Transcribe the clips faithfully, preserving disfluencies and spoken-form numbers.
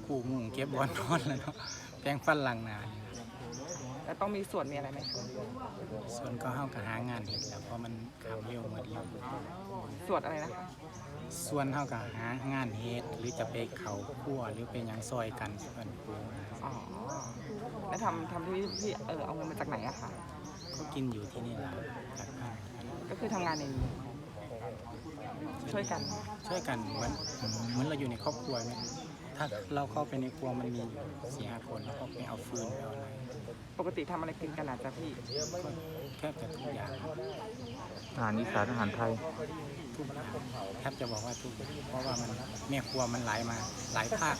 ปูมุงเก็บบอลนอนแล้วเนาะแปรงฟันล้างหน้าแล้วต้องมีส่วนมีอะไรไหมคะส่วนก็เฮาก็หางานเฮ็ดแล้วเพราะมันข่าวเร็วหมดแล้วส่วนอะไรนะคะส่วนเฮาก็หางานเฮ็ดหรือจะไปเข้าครัวหรือไปหยังซอยกันเพิ่นปูนะอ๋อแล้วทำทำที่ที่เออเอาเงินมาจากไหนอะคะก็กินอยู่ที่นี่ล่ะจากบ้านก็คือทำงานในนี้ช่วยกันช่วยกันเหมือนเหมือนเราอยู่ในครอบครัวไหมถ้าเราเข้าไปในครัวมันมีอยู่สี่ห้าคนแล้วก็ไปเอาฟืนไปเอาอะไรปกติทำอะไรกินกันอาจจะพี่ก็แทบจะทุกอย่างอาหารอีสานอาหารไทยทุกอย่างแทบจะบอกว่าทุกอย่างเพราะว่ามันแม่ครัวมันหลายมาหลายภาค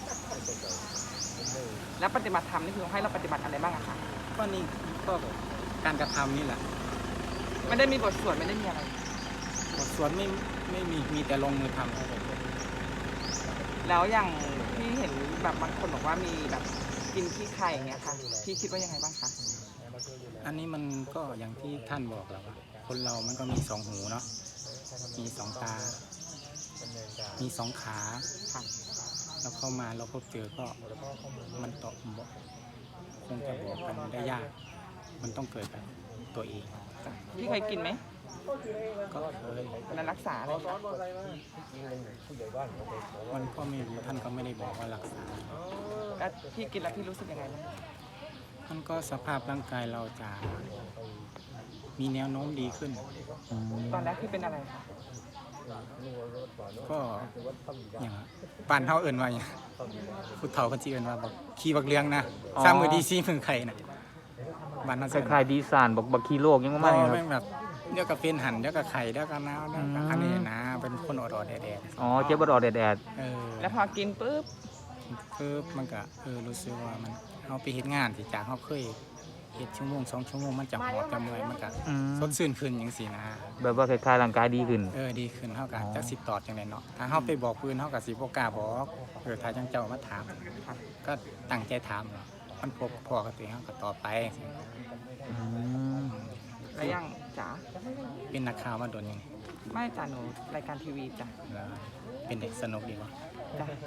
แล้วปฏิบัติธรรมนี่คือให้เราปฏิบัติอะไรบ้างอะคะก็นี่ก็การกระทำนี่แหละไม่ได้มีบทสวดไม่ได้มีอะไรบทสวดไม่ไม่มีมีแต่ลงมือทำแล้วอย่างที่เห็นแบบบางคนบอกว่ามีแบบกินขี้ไข่อย่างเงี้ยค่ะ พี่คิดว่ายังไงบ้างคะอันนี้มันก็อย่างที่ท่านบอกแล้วว่าคนเรามันก็มีสองหูเนาะมีสองตา มีสองขาค่ะแล้วเข้ามาเราพบเจอก็มันตอบบอกคงจะบอกกันได้ยาก มันต้องเกิดกับตัวเองพี่เคยกินไหมก็เคยแล้วรักษาอะไรคะมันก็ไม่รู้ท่านก็ไม่ได้บอกว่ารักษาแล้วพี่กินแล้วพี่รู้สึกยังไงบ้างมันก็สภาพร่างกายเราจะมีแนวโน้มดีขึ้นตอนแรกพี่เป็นอะไรคะก็อย่างบ้านเฮาเอิ้นว่าอย่างผู้เฒ่าเพิ่นสิเอิ้นว่าบักขี้บักเลี้ยงนะอ๋อสามมือดีซีมือไข่น่ะบ้านเฮาคสิเอิ้นล้ายๆดีสานบอกบักคีโลกยังเพไม่ราะคว่ารับแม่งแบบเดี๋ยวก็เป็นหั่นเดี๋ยวก็ไข่เดี๋ยวก็นาวเดี๋ยวก็อันนี้นะเป็นคนอดๆแดดอ๋อเจ็บบดอดแดดๆเออแล้วพอกินปุ๊บปึ๊บมันก็เออรู้สึกว่ามันเฮาไปเฮ็ดงานที่จากเฮาเคยเฮ็ดชั่วโมงสองชั่วโมงมันจะหอบจะเมื่อยมันก็ๆอืมสดชื่นขึ้นจังซี่นะแบบว่าคล้ายๆร่างกายดีขึ้นเออดีขึ้นเฮาก็อ๋อจักสิตอบจังได๋เนาะถ้าเฮาไปบอกปืนเฮาก็สิบ่กล้าบอกเออถ้าจังเจ้ามาถามค่ะก็ตั้งใจถามเนาะมันพบพอกับตัวเองเฮาก็ตอบไปอืมแล้วยังจ๋าเป็นนักข่าวมาโดนยังไงไม่จ๋าหนูรายการทีวีจ้ะแล้วเป็นเด็กสนุกดีวะจ้ะ